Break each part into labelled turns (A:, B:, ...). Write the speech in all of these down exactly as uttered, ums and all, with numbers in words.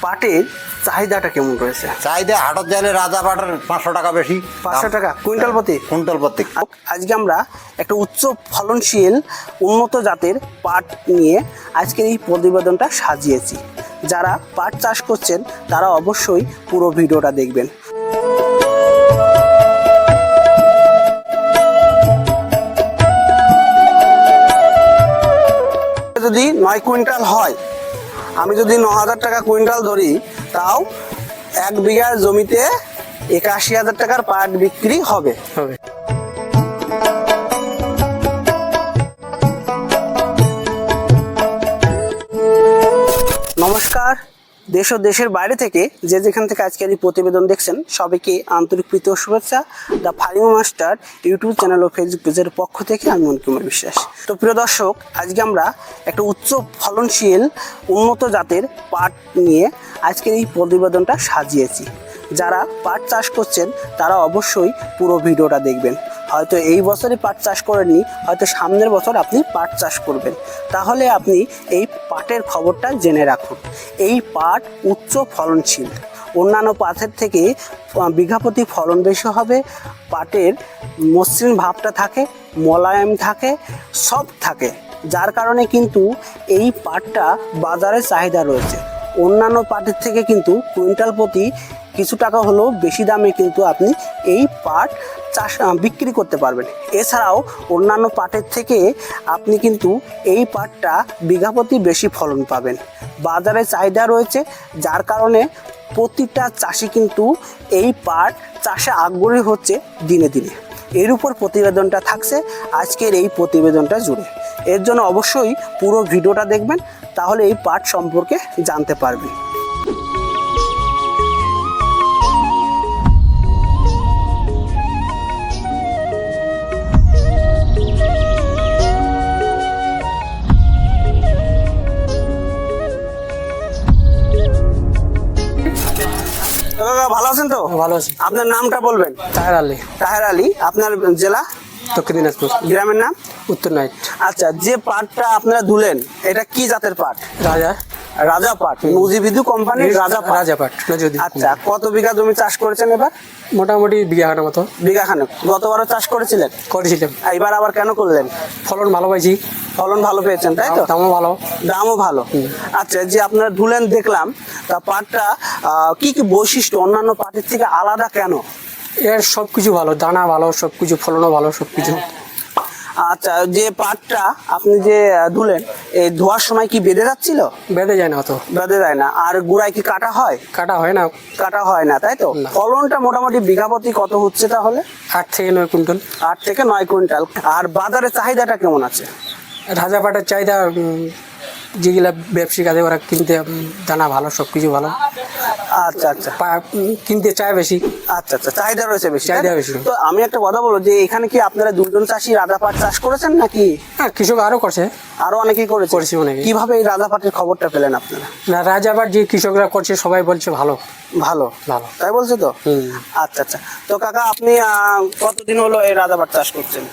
A: পাটের চাহিদাটা কেমন রয়েছে?
B: চাহিদা হাটত গেলে রাজা পাটের পাঁচশো টাকা বেশি,
A: পাঁচশো টাকা কুইন্টাল প্রতি।
B: কুইন্টাল প্রতি।
A: আজকে আমরা একটা উচ্চ ফলনশীল উন্নত জাতের পাট নিয়ে আজকের এই প্রতিবেদনটা সাজিয়েছি। যারা পাট চাষ করছেন তারা অবশ্যই পুরো ভিডিওটা দেখবেন। যদি নয় কুইন্টাল হয়, আমি যদি ন হাজার টাকা কুইন্টাল ধরি, তাও এক বিঘা জমিতে একাশি হাজার টাকার পাট বিক্রি হবে হবে নমস্কার, দেশ ও দেশের বাইরে থেকে যে যেখান থেকে আজকের এই প্রতিবেদন দেখছেন সবাইকে আন্তরিক প্রীতি ও শুভেচ্ছা। The farming master YouTube channel ও ফেসবুক পেজের পক্ষ থেকে আমি মনকুমার বিশ্বাস। তো প্রিয় দর্শক, আজকে আমরা একটা উচ্চ ফলনশীল উন্নত জাতের পাট নিয়ে আজকের এই প্রতিবেদনটা সাজিয়েছি। যারা পাট চাষ করছেন তারা অবশ্যই পুরো ভিডিওটা দেখবেন। হয়তো এই বছরে পাট চাষ করেননি, হয়তো সামনের বছর আপনি পাট চাষ করবেন, তাহলে আপনি এই পাটের খবরটা জেনে রাখুন। এই পাট উচ্চ ফলনশীল, অন্যান্য পাটের থেকে বিঘাপ্রতি ফলন বেশি হবে। পাটের মসৃণ ভাবটা থাকে, মোলায়েম থাকে, সব থাকে, যার কারণে কিন্তু এই পাটটা বাজারে চাহিদা রয়েছে। অন্যান্য পাটের থেকে কিন্তু কুইন্টাল প্রতি কিছু টাকা হলেও বেশি দামে কিন্তু আপনি এই পাট চাষ বিক্রি করতে পারবেন। এছাড়াও অন্যান্য পাটের থেকে আপনি কিন্তু এই পাটটা বিঘাপ্রতি বেশি ফলন পাবেন। বাজারে চাহিদা রয়েছে, যার কারণে প্রতিটা চাষি কিন্তু এই পাট চাষে আগ্রহী হচ্ছে দিনে দিনে। এর উপর প্রতিবেদনটা থাকছে আজকের এই প্রতিবেদনটা জুড়ে। এর জন্য অবশ্যই পুরো ভিডিওটা দেখবেন, তাহলে এই পাট সম্পর্কে জানতে পারবেন। ভালো আছেন তো?
C: ভালো আছি।
A: আপনার নামটা বলবেন?
C: তাহের আলী।
A: তাহের আলী। আপনার জেলা?
C: দক্ষিণ দিনাজপুর।
A: গ্রামের নাম?
C: উত্তর নাইট।
A: আচ্ছা, যে পাটটা আপনারা দুলেন এটা কি জাতের পাট?
C: রাজা
A: রাজা পাট, নজিবিদু কোম্পানির রাজা পাট।
C: রাজা পাট।
A: আচ্ছা, কত বিঘা জমি চাষ করেছেন এবার?
C: মোটামুটি বিঘা খানের মতো।
A: বিঘা খানেক। গতবারও চাষ করেছিলেন?
C: করেছিলাম।
A: এবার আবার কেন করলেন?
C: ফলন ভালো পাইছি।
A: ফলন ভালো পেয়েছেন, তাই তো?
C: দামও ভালো।
A: দামও ভালো। আচ্ছা, যে আপনারা ধুলেন দেখলাম, তা পাটটা কি কি বৈশিষ্ট্য অন্যান্য পাটের থেকে আলাদা কেন?
C: এর সব কিছু ভালো, দানা ভালো, সব কিছু, ফলনও ভালো, সব কিছু।
A: আচ্ছা, যে পাটটা আপনি যে ধুলেন, এই ধোয়ার সময় কি বেঁধে যাচ্ছিল?
C: বেঁধে যায় না অত।
A: বেঁধে যায় না। আর গুড়ায় কি কাটা হয়?
C: কাটা হয় না।
A: কাটা হয় না, তাই তো? ফলনটা মোটামুটি বিঘাপতি কত হচ্ছে তাহলে?
C: আট থেকে নয় কুইন্টাল।
A: আট থেকে নয় কুইন্টাল। আর বাজারে চাহিদাটা কেমন আছে?
C: রাজা পাটের চাহিদা যেগুলা ব্যবসায়িক আছে ওরা কিনতে, দানা ভালো, সব কিছু ভালো।
A: আচ্ছা আচ্ছা,
C: কিনতে চায় বেশি।
A: আচ্ছা আচ্ছা, চাহিদা রয়েছে বেশি।
C: চাহিদা বেশি।
A: তো আমি একটা কথা বলবো, যে এখানে কি আপনারা দুজন চাষি রাজা পাট চাষ করেছেন নাকি?
C: হ্যাঁ, কৃষক আরো করছে।
A: আরো অনেকেই করেছে?
C: করেছে অনেকে।
A: কিভাবে এই রাজা পাটের খবরটা পেলেন আপনারা?
C: না, রাজা পাট যে কৃষকরা করছে সবাই বলছে ভালো
A: ভালো ভালো, তাই বলছে তো? আচ্ছা আচ্ছা। তো কাকা, আপনি কতদিন হলো এই রাজা পাট চাষ করছেন?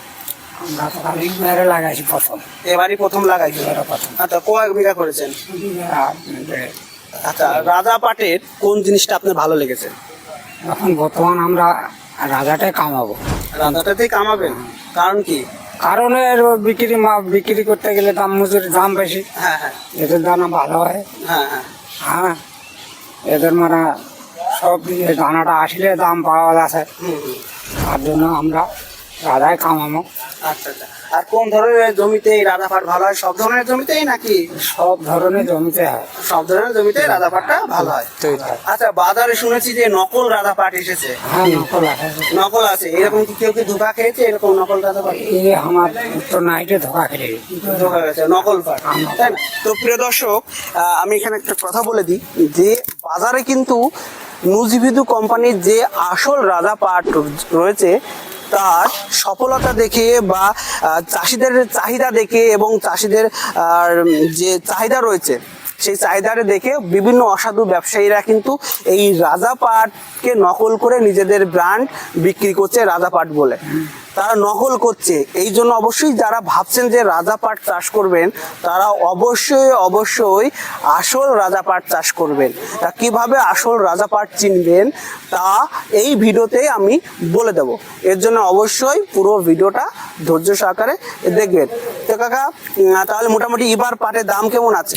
C: লাগাইছি প্রথম।
A: এবারই প্রথম লাগাইছি। আচ্ছা, কয়েক বিঘা করেছেন? আচ্ছা, রাজা পাটের কোন জিনিসটা আপনার ভালো লেগেছে?
C: এখন বর্তমান আমরা রাজাটাই কামাবো।
A: রাজাটাতেই কামাবেন? কারণ কি?
C: কারণ এর বিক্রি বিক্রি করতে গেলে দাম মজুরির দাম বেশি।
A: হ্যাঁ হ্যাঁ।
C: এদের দানা ভালো হয়।
A: হ্যাঁ হ্যাঁ।
C: হ্যাঁ, এদের মানে সব দানাটা আসলে দাম পাওয়া যাচ্ছে, তার জন্য আমরা রাজাই কামাবো।
A: আচ্ছা আচ্ছা। আর কোন ধরনের জমিতে এই রাজা পাট ভালো হয়? সব ধরনের জমিতেই নাকি?
C: সব ধরনের জমিতে হয়।
A: সব ধরনের জমিতে রাজা পাটটা ভালো হয়। আচ্ছা, বাজারে শুনেছি যে নকল রাজা পাট এসেছে।
C: হ্যাঁ, নকল আছে।
A: নকল আছে? এরকম কি কেউ কি ধোকা খেয়েছে এরকম নকল রাজা পাট?
C: এই আমার উত্তর নাইটে ধোকা খেলে
A: ধোকা গেছে, নকল পাট, তাই না? তো প্রিয় দর্শক, আমি এখানে একটা কথা বলে দিই, যে বাজারে কিন্তু নজিবিদু কোম্পানির যে আসল রাজা পাট রয়েছে তার সফলতা দেখে বা চাষিদের চাহিদা দেখে এবং চাষিদের যে চাহিদা রয়েছে সেই চাহিদারে দেখে বিভিন্ন অসাধু ব্যবসায়ীরা কিন্তু এই রাজা পাটকে নকল করে নিজেদের ব্র্যান্ড বিক্রি করছে রাজা পাট বলে। তারা নকল করছে। এই জন্য অবশ্যই যারা ভাবছেন যে রাজা পাট চাষ করবেন তারা অবশ্যই অবশ্যই আসল রাজা পাট চাষ করবেন। তা কিভাবে আসল রাজা পাট চিনবেন তা এই ভিডিওতে আমি বলে দেব। এর জন্য অবশ্যই পুরো ভিডিওটা ধৈর্য সহকারে দেখবেন। তো কাকা উম, তাহলে মোটামুটি এবার পাটের দাম কেমন আছে?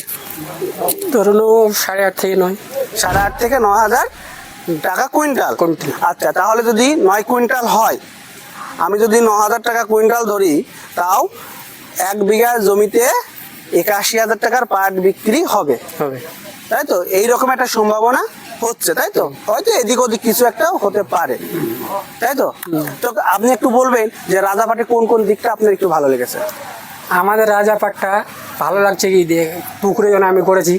D: ধরুন সাড়ে আট থেকে নয়।
A: সাড়ে আট থেকে নয় হাজার টাকা কুইন্টাল।
D: কুইন্টাল।
A: আচ্ছা, তাহলে যদি নয় কুইন্টাল হয়, আমি যদি ন হাজার টাকা কুইন্টাল ধরি, তাও এক বিঘা জমিতে একাশি হাজার টাকার পাট বিক্রি হবে,
D: হবে।
A: তাই তো? এইরকম একটা সম্ভাবনা হচ্ছে, তাই তো? হয়তো এদিক ওদিক কিছু একটা হতে পারে, তাই তো? তো আপনি একটু বলবেন যে রাজা পাটে কোন কোন দিকটা আপনার একটু ভালো লেগেছে?
D: আমাদের রাজা পাটটা ভালো লাগছে কি দিয়ে পুকুরে যেন আমি করেছি,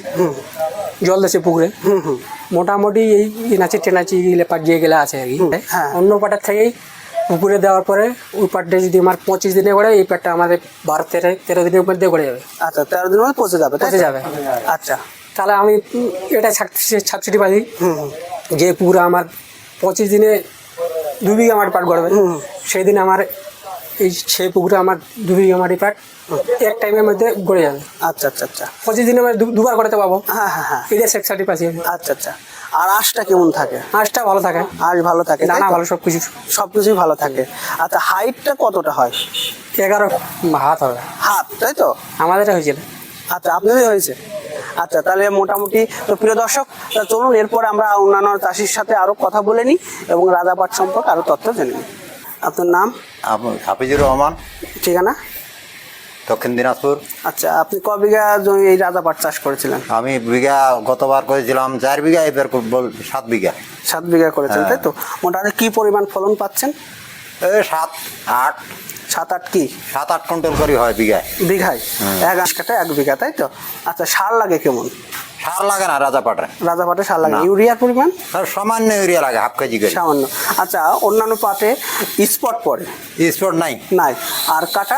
D: জল দেশে পুকুরে
A: হুম হুম
D: মোটামুটি এই নাচি টেনাচি গেলে পাট যে গেলে আছে আর কি।
A: হ্যাঁ।
D: অন্য পাটের থেকেই পুকুরে দেওয়ার পরে ওই পাটটা যদি আমার পঁচিশ দিনে করে, এই পাটটা আমাদের বারো তেরো তেরো দিনের মধ্যে করে যাবে।
A: আচ্ছা, তেরো দিনের মধ্যে পচে যাবে, তাই তো?
D: পচে যাবে।
A: আচ্ছা।
D: তাহলে আমি উম, এটা ছাবছিটি পাই
A: হুম হুম
D: যে পুকুরে আমার পঁচিশ দিনে দু বিঘা মাটি পাট গড়বে,
A: হুম।
D: সেই দিন আমার এই সেই পুকুরে আমার দু বিঘা মাটি পাট এক টাইমের মধ্যে গড়ে যাবে।
A: আচ্ছা আচ্ছা আচ্ছা
D: পঁচিশ দিনে মানে দু- দুবার করতে পাবো।
A: হ্যাঁ হ্যাঁ হ্যাঁ
D: এটা সেক্সাটি পাচ্ছি আমি।
A: আচ্ছা আচ্ছা। আর আঁশটা কেমন থাকে?
D: মাছটা ভালো থাকে,
A: আঁশ ভালো থাকে, তাই
D: দানা
A: তো?
D: ভালো, সব কিছু।
A: সব কিছুই ভালো থাকে। আচ্ছা, হাইটটা কতটা হয়?
D: এগারো হাত হবে
A: হাত, তাই তো?
D: আমাদের হয়েছিল।
A: আচ্ছা, আপনাদের হয়েছে। আচ্ছা, তাহলে মোটামুটি তো প্রিয় দর্শক, তা চলুন এরপর আমরা অন্যান্য চাষির সাথে আরো কথা বলে নিই এবং রাজা পাট সম্পর্কে আরো তথ্য জেনে নিই। আপনার নাম,
B: আপ- হাফিজুর রহমান,
A: ঠিকানা?
B: দক্ষিণ দিনাজপুর।
A: আচ্ছা, আপনি ক বিঘা জমি এই রাজা পাট চাষ করেছিলেন?
B: আমি বিঘা গতবার করেছিলাম চার বিঘা, এবার করবো সাত বিঘা।
A: সাত বিঘা করেছেন,
B: হ্যাঁ।
A: তাই তো? মোটামুটি কি পরিমাণ ফলন পাচ্ছেন?
B: এই সাত আট
A: সাত আট কি
B: সাত আট কুইন্টাল করে হয় বিঘায়।
A: বিঘায়? এক আঁশ কাটা এক বিঘা, তাই তো? আচ্ছা, সার লাগে কেমন?
B: সার লাগে না রাজা পাটে,
A: রাজা পাটে সার লাগে?
B: না।
A: ইউরিয়ার পরিমাণ?
B: আর সামান্য ইউরিয়া লাগে হাফ কেজি করে।
A: সামান্য। আচ্ছা, অন্যান্য পাটে স্পট পড়ে
B: স্পট নাই।
A: নাই? আর কাটা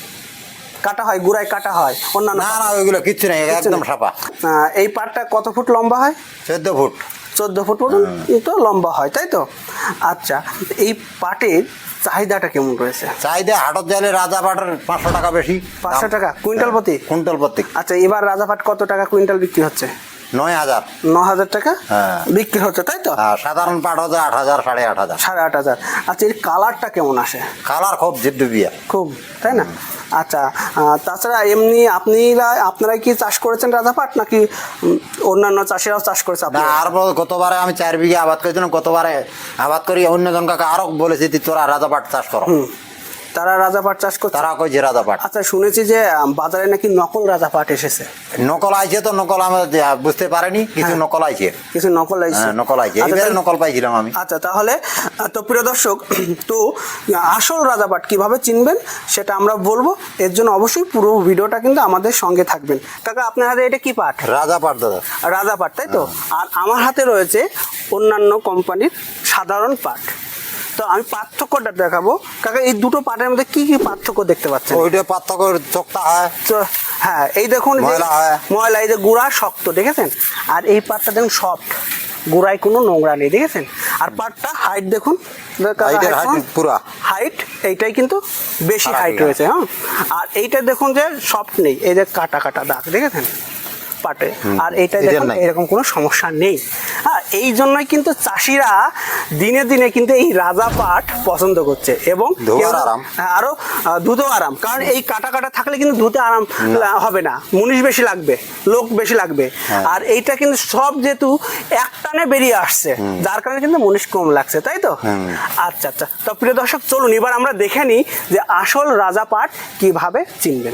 A: কাটা হয়, গুড়ায় কাটা হয় অন্যান্য
B: না
A: পাটে?
B: না, ওইগুলো কিচ্ছু নেই, একদম সাপা।
A: আহ, এই পাটটা কত ফুট লম্বা হয়?
B: চোদ্দ ফুট।
A: চোদ্দ ফুট পর্যন্ত লম্বা হয়, তাই তো? আচ্ছা, এই পাটের চাহিদাটা কেমন রয়েছে?
B: চাহিদা হাটত যাইলে রাজা পাটের পাঁচশো টাকা বেশি।
A: পাঁচশো টাকা কুইন্টাল প্রতি?
B: কুইন্টাল প্রতি
A: আচ্ছা, এবার রাজা পাট কত টাকা কুইন্টাল বিক্রি হচ্ছে?
B: নয় হাজার।
A: ন হাজার টাকা
B: হ্যাঁ।
A: বিক্রি হচ্ছে, তাই তো?
B: আর সাধারণ পাট হচ্ছে আট হাজার সাড়ে আট হাজার।
A: সাড়ে আট হাজার। আচ্ছা, এর কালারটা কেমন আসে?
B: কালার খুব জিদ্দুবিয়া।
A: খুব, তাই না? আচ্ছা, আহ, তাছাড়া এমনি আপনিরা আপনারাই কি চাষ করেছেন রাজা পাট, নাকি উম, অন্যান্য চাষিরাও চাষ করেছে?
B: না,
A: আপনারা?
B: আর বল, গতবারে আমি চার বিঘা আবাদ করেছিলাম, গতবারে আবাদ করি অন্যজন কাকে আরো বলেছি তুই তোরা রাজা পাট চাষ করো।
A: হুম, তারা রাজা পাট চাষ করছে?
B: তারা কইছে রাজা পাট।
A: আচ্ছা, শুনেছি যে আম, বাজারে নাকি নকল রাজা পাট এসেছে।
B: নকল আইছে তো, নকল আমরা যে বুঝতে পারিনি, কিছু
A: হ্যাঁ।
B: নকল আইছে।
A: কিছু নকল আইছে?
B: হ্যাঁ, নকল আইছে,
A: আচ্ছা,
B: এইবারে
A: তাহলে-
B: নকল পাইছিলাম আমি।
A: আচ্ছা, তাহলে আহ, তো প্রিয় দর্শক, তো আসল রাজা পাট কিভাবে চিনবেন সেটা আমরা বলবো। এর জন্য অবশ্যই পুরো ভিডিওটা কিন্তু আমাদের সঙ্গে থাকবেন। কাকা, আপনার হাতে এটা কি পাট?
B: রাজা পাট দাদা।
A: রাজা পাট, তাই তো? আর আমার হাতে রয়েছে অন্যান্য কোম্পানির সাধারণ পাট। তো আমি পার্থক্যটা দেখাবো। কাকা, এই দুটো পাটের মধ্যে কি কি পার্থক্য দেখতে পাচ্ছেন?
B: ওইটা পার্থক্য চোখটা হয়।
A: তো হ্যাঁ, এই দেখুন যে-
B: ময়লা হয়।
A: ময়লা, এই যে গুঁড়া শক্ত, দেখেছেন? আর এই পাটটা দেখুন সফট, গুঁড়ায় কোনো নোংরা নেই, দেখেছেন? আর পাটটা হাইট দেখুন,
B: হাইটের হাইট পুরা।
A: হাইট এইটাই কিন্তু বেশি
B: খারাপ
A: হাইট
B: না।
A: রয়েছে। হ্যাঁ, আর এইটা দেখুন যে সফট নেই, এই যে কাটা কাটা দাগ, দেখেছেন পাটে? আর এইটা
B: এদের
A: দেখুন
B: নাই।
A: এরকম কোনো সমস্যা নেই। হ্যাঁ, এই জন্যই কিন্তু চাষিরা দিনে দিনে কিন্তু এই রাজা পাট পছন্দ করছে এবং
B: ধোয়ার
A: কেউ-
B: আরাম।
A: হ্যাঁ, আরো আহ, ধুতেও আরাম। কারণ এই কাটা কাটা থাকলে কিন্তু ধুতে আরাম লা- হবে না, মুনিশ বেশি লাগবে, লোক বেশি লাগবে।
B: হ্যাঁ।
A: আর এইটা কিন্তু সব যেহেতু এক টানে বেরিয়ে আসছে, যার কারণে কিন্তু মুনিশ কম লাগছে, তাই তো?
B: হুম।
A: আচ্ছা আচ্ছা। তো প্রিয় দর্শক, চলুন এবার আমরা দেখে নিই যে আসল রাজা পাট কিভাবে চিনবেন।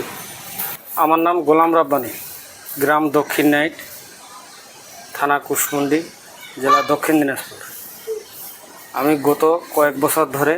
E: আমার নাম গোলাম রাব্বানি, গ্রাম দক্ষিণ নাইট, থানা কুশমন্ডি, জেলা দক্ষিণ দিনাজপুর। আমি গত কয়েক বছর ধরে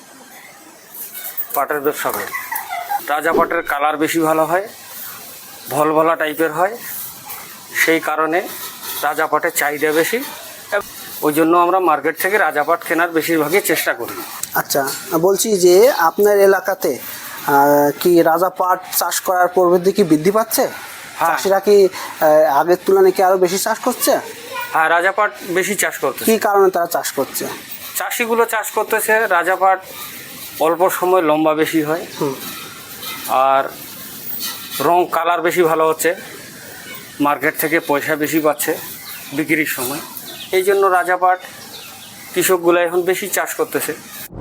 E: পাটের ব্যবসা করি। রাজা পাটের কালার বেশি ভালো হয়, ভলভলা টাইপের হয়, সেই কারণে রাজা পাটের চাহিদা বেশি। এবং ওই জন্য আমরা মার্কেট থেকে রাজা পাট কেনার বেশিরভাগই চেষ্টা করি।
A: আচ্ছা, বলছি যে আপনার এলাকাতে আহ, কি রাজা পাট চাষ করার প্রবৃদ্ধি কি বৃদ্ধি পাচ্ছে?
E: হ্যাঁ।
A: চাষিরা কি আহ, আগের তুলনায় কি আরো বেশি চাষ করছে?
E: হ্যাঁ, রাজা পাট বেশি চাষ করতেছে।
A: কি কারণে তারা চাষ করছে?
E: চাষিগুলো চাষ করতেছে রাজা পাট অল্প সময় লম্বা বেশি হয়,
A: হুম।
E: আর রং কালার বেশি ভালো হচ্ছে, মার্কেট থেকে পয়সা বেশি পাচ্ছে বিক্রির সময়। এই জন্য রাজা পাট কৃষকগুলো এখন বেশি চাষ করতেছে।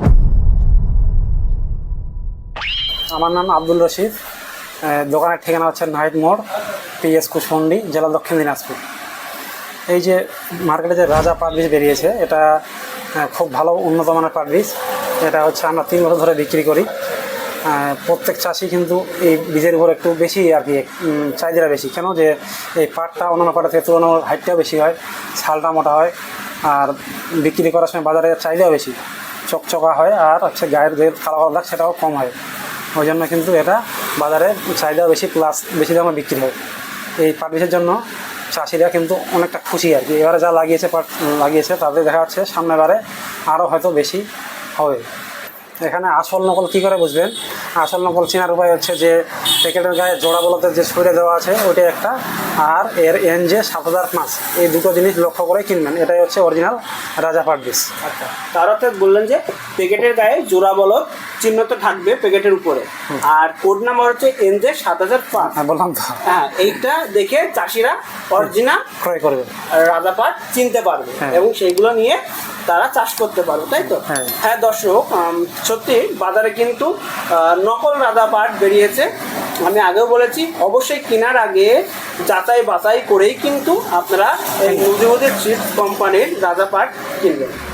D: আমার নাম আব্দুল রশিদ, আহ, দোকানের ঠিকানা হচ্ছে নাইট মোড়, পিএস কুশমন্ডি, জেলা দক্ষিণ দিনাজপুর। এই যে মার্কেটে যে রাজা পাট বীজ বেরিয়েছে, এটা আহ, খুব ভালো উন্নত মানের পাট বীজ। এটা হচ্ছে আমরা তিন বছর ধরে বিক্রি করি। আহ, প্রত্যেক চাষি কিন্তু এই বীজের উপর একটু বেশি আর কি উম, চাহিদা বেশি। কেন যে এই পাটটা অন্যান্য পাটের থেকে তুলনায় হাইটটাও বেশি হয়, ছালটা মোটা হয়, আর বিক্রি করার সময় বাজারে চাহিদাও বেশি, চকচকা হয়, আর হচ্ছে গায়ের যে কালো কালো দাগ সেটাও কম হয়। ওই জন্য কিন্তু এটা বাজারে চাহিদাও বেশি, প্লাস বেশি দামে বিক্রি হয়। এই পাট বীজের জন্য চাষিরা কিন্তু অনেকটা খুশি আর কি। এবারে যা লাগিয়েছে পাট লাগিয়েছে তাদের দেখা যাচ্ছে সামনের বারে আরও হয়তো বেশি হবে। এখানে আসল নকল কী করে বুঝবেন? আসল নকল চেনার উপায় হচ্ছে যে প্যাকেটের গায়ে জোড়া বলতের যে ছুঁড়ে দেওয়া আছে ওইটা একটা, আর এর এন যে সাত হাজার পাঁচ, এই দুটো জিনিস লক্ষ্য করে কিনবেন। এটাই হচ্ছে অরিজিনাল রাজা পাট বীজ।
A: আচ্ছা, তার অর্থাৎ বললেন যে প্যাকেটের গায়ে জোড়া বলদ চিহ্ন তো থাকবে প্যাকেটের উপরে, আর কোড নাম্বার হচ্ছে এন জে সাত হাজার পাঁচ।
D: হ্যাঁ, বললাম তো,
A: হ্যাঁ, এইটা দেখে চাষিরা অরিজিনাল
D: ক্রয় করবে।
A: রাজা পাট চিনতে পারবে
D: হ্যাঁ।
A: এবং সেইগুলো নিয়ে তারা চাষ করতে পারবে, তাই তো?
D: হ্যাঁ।
A: হ্যাঁ দর্শক, উম, সত্যি বাজারে কিন্তু আহ, নকল রাজা পাট বেরিয়েছে। আমি আগেও বলেছি, অবশ্যই কেনার আগে যাচাই বাছাই করেই কিন্তু আপনারা এই মুজিবুদ্দিন সিড কোম্পানির রাজা পাট কিনবেন।